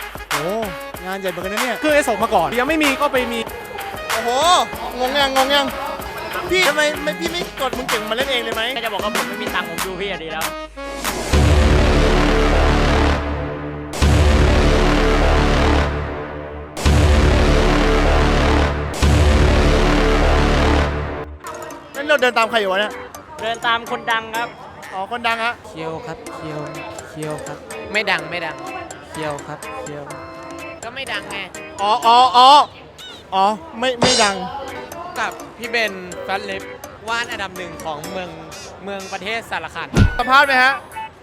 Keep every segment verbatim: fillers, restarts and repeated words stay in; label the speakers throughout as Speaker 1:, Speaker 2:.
Speaker 1: โอ้งานใหญ่เหมือนกันนะเนี่ย
Speaker 2: คือไอ้ส่งมาก่อนยังไม่มีก็ไปมี
Speaker 1: โอ้โหงงยังงงยังพี่ทำไมไม่พี่ไม่กดมึงเก่งมาเล่นเองเลยไหม
Speaker 3: ก็จะบอกว่าผมไม่มีตังค์ผมดูพี่อะดีแล้ว
Speaker 1: นั่นเราเดินตามใครอยู่วะเนี่ย
Speaker 3: เดินตามคนดังครับ
Speaker 1: อ๋อคนดังฮะ
Speaker 4: เคียวครับเคียวเคียวครับ ไม่ดังไม่ดังเคียวครับเคียวก็ไม่ดังไง
Speaker 1: อ๋ออ๋ออ๋ออ๋อไม่ไม่ดัง
Speaker 4: กับพี่เบนแฟตลิปวาดอันดับหนึ่งของเมืองเมืองประเทศสารคัน
Speaker 1: สัมภาษณ์ไหมฮะ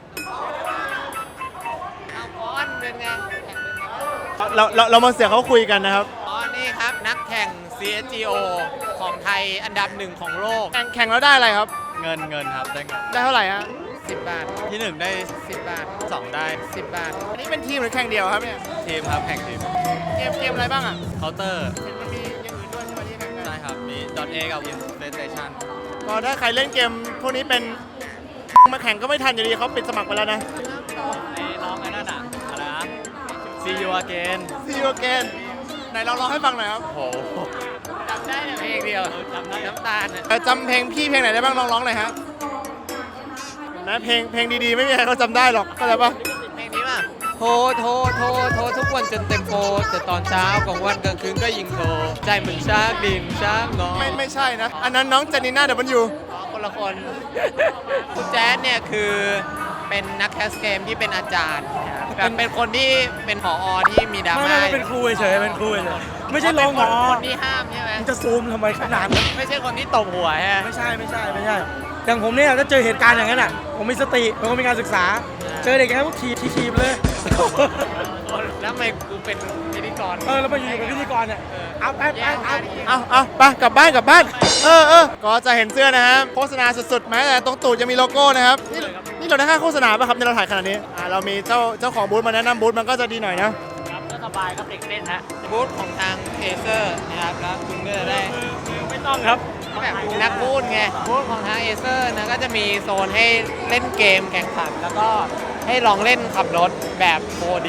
Speaker 4: เอาก้อนเป็นไง
Speaker 1: เราเราเรามาเสียเขาคุยกันนะครับ
Speaker 4: อ๋อนี่ครับนักแข่ง ซี เอส จี โอ ของไทยอันดับหนึ่งของโลก
Speaker 1: แข่งแข่งแล้วได้อะไรครับ
Speaker 2: เงินเงินครับได้เงิน
Speaker 1: ได้เท่าไหร่ฮะ
Speaker 4: สิบบาท
Speaker 2: ที่หนึ่งได้
Speaker 4: สิบบาท
Speaker 2: สองได้
Speaker 4: สิบบาท
Speaker 1: อันนี้เป็นทีมหรือแข่งเดียวครับเนี่ย
Speaker 2: ทีมครับแข่งทีม
Speaker 1: เกมเกมอะไรบ้างอ่ะ
Speaker 2: เคาน์เตอร์
Speaker 1: เห็นมันมีอย่างอื่นด้วยใช่ไหมที่แข่งกัน
Speaker 2: ใช่ครับมี .A กับ PlayStation
Speaker 1: ก็ถ้าใครเล่นเกมพวกนี้เป็นมาแข่งก็ไม่ทันอยู่ดีเขาปิดสมัครไปแล้วนะ
Speaker 2: ไอ้น้องไอ้นั่นอ่ะอะไรนะ See you again
Speaker 1: ซีโอเกนไหนเราลองให้ฟังหน่อยครับ
Speaker 2: โห
Speaker 4: จำได้แต่เพลงเดียวจำได้น้ำตาลน่ะ
Speaker 1: เอ่อจำเพลงพี่เพลงไหนได้บ้างลองร้องหน่อยฮะนะเพลงเพลงดีๆไม่มีใครเขาจำได้หรอกเข้าใจปะ
Speaker 4: เพลงนี้ป่ะโทรโทรโทรโทรทุกวันจนเต็มโปรแต่ตอนเช้ากลางวันกลางคืนก็ยิงโทรใจเหมือนช้างดินช้างงอ
Speaker 1: ไม่ไม่ใช่นะ อันนั้นน้องเจนนีน่าเดบันยู
Speaker 4: อ๋อคนละคนคุณแจ๊ดเนี่ยคือเป็นนักแคสเกมที่เป็นอาจารย์นะครับเป็นคนที่เป็นผอที่มีดรา
Speaker 5: ไม่
Speaker 4: ม่า
Speaker 5: ไม่เป็นครูเฉยๆเป็นครูเฉยๆไม่ใช่ลงหมอ
Speaker 4: คนที่ห้ามใช่ไหม
Speaker 5: มึงจะซูมทำไมขนาดนั้น
Speaker 4: ไม่ใช่คนที่ตบหัวใช่ไหม
Speaker 5: ไม่ใช่ไม่ใช่ไม่ใช่ อย่างผมเนี่ยถ้าเจอเหตุการณ์อย่างนั้นอ่ะผมมีสติเป็นคนมีการศึกษา เจอเด็กอย่างนั้นก็ถีบถีบเลย
Speaker 4: แล้วทำไมกูเป็นพิธีกร
Speaker 5: เออแล้วมาอยู่เป็นพิธีกรเนี่ยเอาไปไปเอา
Speaker 1: เอาเอาไปกลับบ้านกลับบ้าน เออเออก็จะเห็นเสื้อนะฮะโฆษณาสุดๆแม้แต่ตรงตูดจะมีโลโก้นะครับ นี่นี่เราได้ค่าโฆษณาป่ะครับในเราถ่ายขนาดนี้อ่าเรามีเจ้าเจ้าของบูธมาแนะนำบูธมันก็จะดีหน่อยนะ
Speaker 3: ครับก็สบายครับเด็กเล่นฮะ
Speaker 4: บูธของทางเอเซอร์นะครับแล้วคุณก็จะได้
Speaker 3: ไม่ต้องครับ
Speaker 4: แบบนักพูดไงบูธของทางเอเซอร์นะก็จะมีโซนให้เล่นเกมแข่งขัน แล้วก็ให้ลองเล่นขับรถแบบ โฟร์ ดี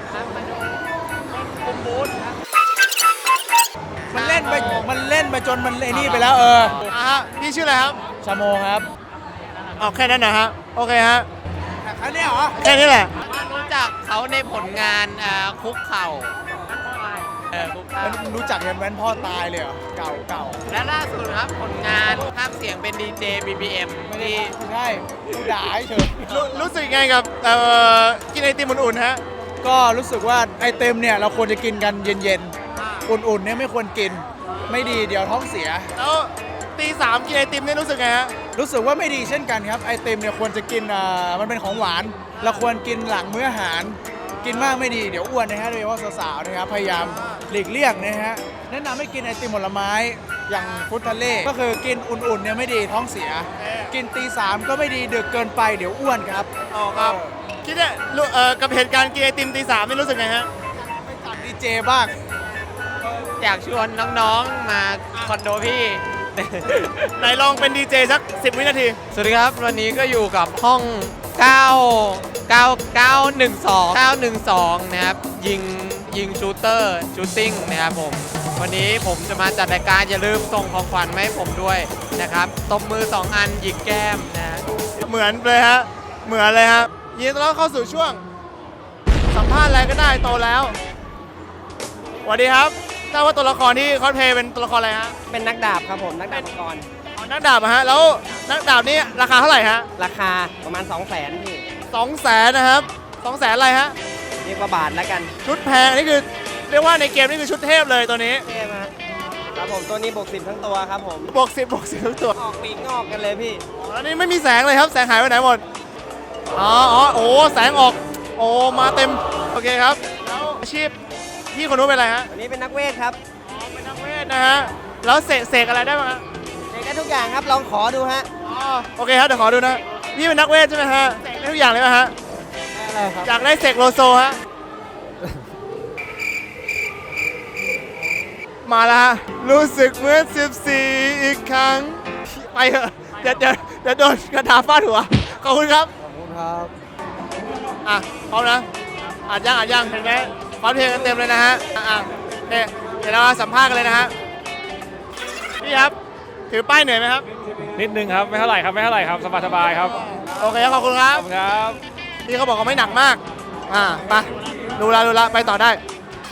Speaker 5: มันเล่นไปมันเล่นไปจนมันไอ้นี่ไปแล้วเออ
Speaker 1: อ่าฮะพี่ชื่ออะไรครับ
Speaker 5: ชาโมครับ
Speaker 1: เอาแค่นั้นนะฮะ โอเคฮะ
Speaker 5: อันนี้เหรอ
Speaker 1: แค่นี้แหละ
Speaker 4: รู้จักเขาในผลงานอ่าคุกเข่าเออคุกเข่า
Speaker 5: มันรู้จักกันแว้นพ่อตายเลยเหรอเก่าเก่า
Speaker 4: และล่าสุดครับผลงานภาพเสียงเป็นดีเจ บี บี เอ็ม
Speaker 5: ไม่ได้
Speaker 4: ที่
Speaker 5: ไม่ใช่กูด่าเฉย
Speaker 1: รู้รู้สึกไงกับเอ่อกินไอติมอุ่นๆฮะ
Speaker 5: ก็รู้สึกว่าไอเต็มเนี่ยเราควรจะกินกันเย็นๆอุ่นๆเนี่ยไม่ควรกินไม่ดีเดี๋ยวท้องเสีย
Speaker 1: แล้วตีสามกินไอติมนี่รู้สึกไงฮะ
Speaker 5: รู้สึกว่าไม่ดีเช่นกันครับไอติมเนี่ยควรจะกินอ่ามันเป็นของหวาน เราควรกินหลังมื้ออาหาร กินมากไม่ดีเดี๋ยวอ้วนนะฮะโดยเฉพาะสาวๆนะครับพยายามหลีกเลี่ยงนะฮะแนะนำให้กินไอติมผลไม้อย่างฟรุตทะเลก็คือกินอุ่นๆเนี่ยไม่ดีท้องเสีย กินตีสามก็ไม่ดีดึกเกินไปเดี๋ยวอ้วนครับ
Speaker 1: อ๋อครับ คิดเนี่ยรู้เอ่อกับเหตุการณ์กินไอติมตีสามนี่รู้สึกไงฮะ
Speaker 5: ไปจัดดีเจบ้าง
Speaker 4: อยากชวนน้องๆมาคอนโดพี่
Speaker 1: ไหนลองเป็นดีเจสักสิบวินาที
Speaker 4: สวัสดีครับ วันนี้ก็อยู่กับห้องเก้า เก้า เก้า หนึ่ง สอง เก้า หนึ่ง สองนะครับยิงยิงชูเตอร์ชูตติ้งนะครับผมวันนี้ผมจะมาจัดรายการอย่าลืมส่งของขวัญมาให้ผมด้วยนะครับตบมือสองอันหยิกแก้มนะฮะ
Speaker 1: เหมือนเลยฮะ เหมือนเลยฮะยินดีต้อนรับเข้าสู่ช่วง สัมภาษณ์อะไรก็ได้โตแล้วสวัสดีครับทราบว่าตัวละครที่คอสเพลย์เป็นตัวละครอะไรฮะ
Speaker 6: เป็นนักดาบครับผม นักดาบมังกร
Speaker 1: อ๋อนักดาบอะฮะ แล้วนักดาบนี่ราคาเท่าไหร่ฮะ
Speaker 6: ราคาประมาณ 2 0 0 0 0 0พี่
Speaker 1: สองแสนนะครับสองแสนอะไรฮะ
Speaker 6: เรียกว่าบาทแล้วกัน
Speaker 1: ชุดแพงอันนี่คือเรียกว่าในเกมนี่คือชุดเทพเลยตัวนี้
Speaker 6: เท่มากครับผมตัวนี้บวกสิบทั้งตัวครับผม
Speaker 1: บวกสิบบวกสิบทุกตัว
Speaker 6: ออกปีกงอกกันเลยพี่
Speaker 1: อ๋อแล้วนี่ไม่มีแสงเลยครับ แสงหายไปไหนหมด อ๋ออ๋อโอ้แสงออก โอ้ มาเต็ม โอเคครับ แล้วอาชีพพี่คนนู้นเป็นอะไรฮะ
Speaker 6: วันนี้เป็นนักเวทครับ
Speaker 1: อ๋อ เป็นนักเวทนะฮะ แล้วเสกเสกอะไรได้บ้างฮะ
Speaker 6: เด็กได้ทุกอย่างครับ ลองขอดูฮะ
Speaker 1: อ๋อ โอเคครับ เดี๋ยวขอดูนะ พี่เป็นนักเวทใช่ไหมฮะเสกได้ทุกอย่างเลยไหมฮะ
Speaker 6: อะไรครับ
Speaker 1: อยากได้เสกโลโซฮะ มาแล้วฮะ รู้สึกเหมือนสิบสี่อีกครั้ง ไปเถอะ เดี๋ยวเดี๋ยวเดี๋ยวโดนกระดาษฟาดหัว ขอบคุณครับ
Speaker 5: ขอบคุณครับ
Speaker 1: อ่ะพร้อมนะอัดยังอัดยังเห็นไหมพร้อมเพรียงกันเต็มเลยนะฮะอ่ะโอเคเดี๋ยวเราสัมภาษณ์กันเลยนะฮะพี่ครับถือป้ายเหนื่อยไหมครับ
Speaker 3: นิดนึงครับ ไม่เท่าไหร่ครับ ไม่เท่าไหร่ครับ สบายสบายครับ
Speaker 1: โอเคขอบคุณครับ
Speaker 3: ขอบคุณครับ
Speaker 1: พี่เขาบอกว่าไม่หนักมากอ่าไปดูละดูละไปต่อได้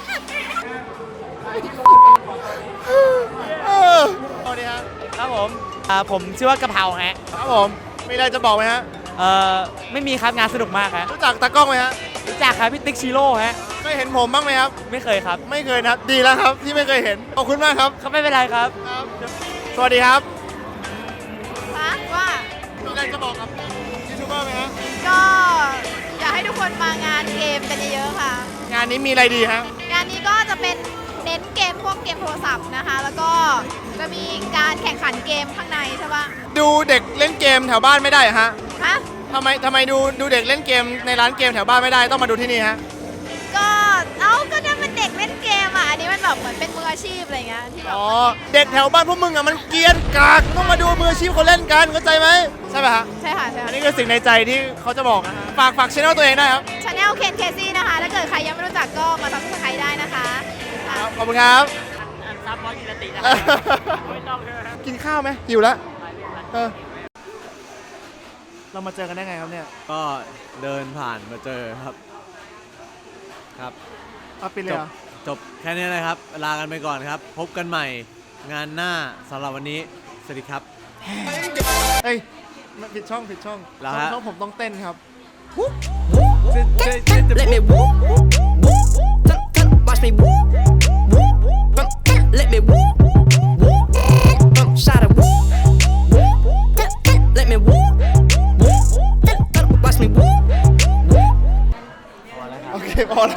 Speaker 1: เออสวัสดีครับ
Speaker 2: ครับผมอ่าผมชื่อว่ากะเพราฮะ
Speaker 1: ครับผมมีอะไรจะบอกไหมฮะ
Speaker 2: เอ่อไม่มีครับงานสนุกมากฮะ
Speaker 1: รู้จักตากล้องไหมฮะ
Speaker 2: รู้จักครับพี่ติ๊กชิโร่ฮะ
Speaker 1: เคยเห็นผมบ้างไหมครับ
Speaker 2: ไม่เคยครับ
Speaker 1: ไม่เคยนะครับดีแล้วครับที่ไม่เคยเห็นขอบคุณมากครับ
Speaker 2: เขาไม่เป็นไรครับ
Speaker 1: ครับ สวัสดีครับ
Speaker 7: คะว่า
Speaker 1: มีอะไรจะบอกกับยูทูบเบอร์ไหมฮะ
Speaker 7: ก็อยากให้ทุกคนมางานเกมกันเยอะๆค่ะ
Speaker 1: งานนี้มีอะไรดีฮะ
Speaker 7: งานนี้ก็จะเป็นเน้นเกมพวกเกมโทรศัพท์นะคะ แล้วก็จะมีการแข่งขันเกมข้างในใช่ปะ
Speaker 1: ดูเด็กเล่นเกมแถวบ้านไม่ได้เหรอฮะ
Speaker 7: ฮะ
Speaker 1: ทำไมทำไมดูดูเด็กเล่นเกมในร้านเกมแถวบ้านไม่ได้ต้องมาดูที่นี่ฮะ
Speaker 7: ก็เอ้าก็นั่นมันเด็กเล่นเกมอ่ะ อันนี้มันแบบเหมือนเป็นมืออาชีพอะไรเงี้ยที่แบบ
Speaker 1: อ๋อเด็กแถวบ้านพวกมึงอ่ะมันเกรียนกากต้องมาดูมืออาชีพเขาเล่นกันเข้าใจไหมใช่ไหมฮะ
Speaker 7: ใช่ค่ะใช่
Speaker 1: อั
Speaker 7: ค่ะ
Speaker 1: นนี้คือสิ่งในใจที่เขาจะบอกนะฮะฝากฝากช่องตัวเองได้ครับ
Speaker 7: ชาแนลเคนเคซี่นะคะ ถ้าเกิดใครยังไม่รู้จักก็มาซับสไครต์ได้นะคะค่ะ
Speaker 1: ครับขอบคุณครับ
Speaker 3: อันซับบอสกินตินะครับไม่ต้องใช่ไหมครับ
Speaker 1: กินข้าวไหมหิวแล้วเออเรามาเจอกันได้ไงครับเนี่ย
Speaker 8: ก็เดินผ่านมาเจอครับ ครับ
Speaker 1: เอาปิดเลยเหรอ
Speaker 8: จบแค่นี้นะครับ ลากันไปก่อนครับ พบกันใหม่งานหน้าสำหรับวันนี้ สวัสดีครับ
Speaker 1: เอ้ยผิดช่องผิดช่อง
Speaker 8: เหรอ
Speaker 1: ช่อง
Speaker 8: ฮะ
Speaker 1: ช่องผมต้องเต้นครับ
Speaker 9: Let me whoop, whoop, watch me whoop, whoop, let me whoop, whoop, shot it whoop, whoop, let me whoop, whoop, watch me whoop, whoop.
Speaker 1: โอเคพอแล้ว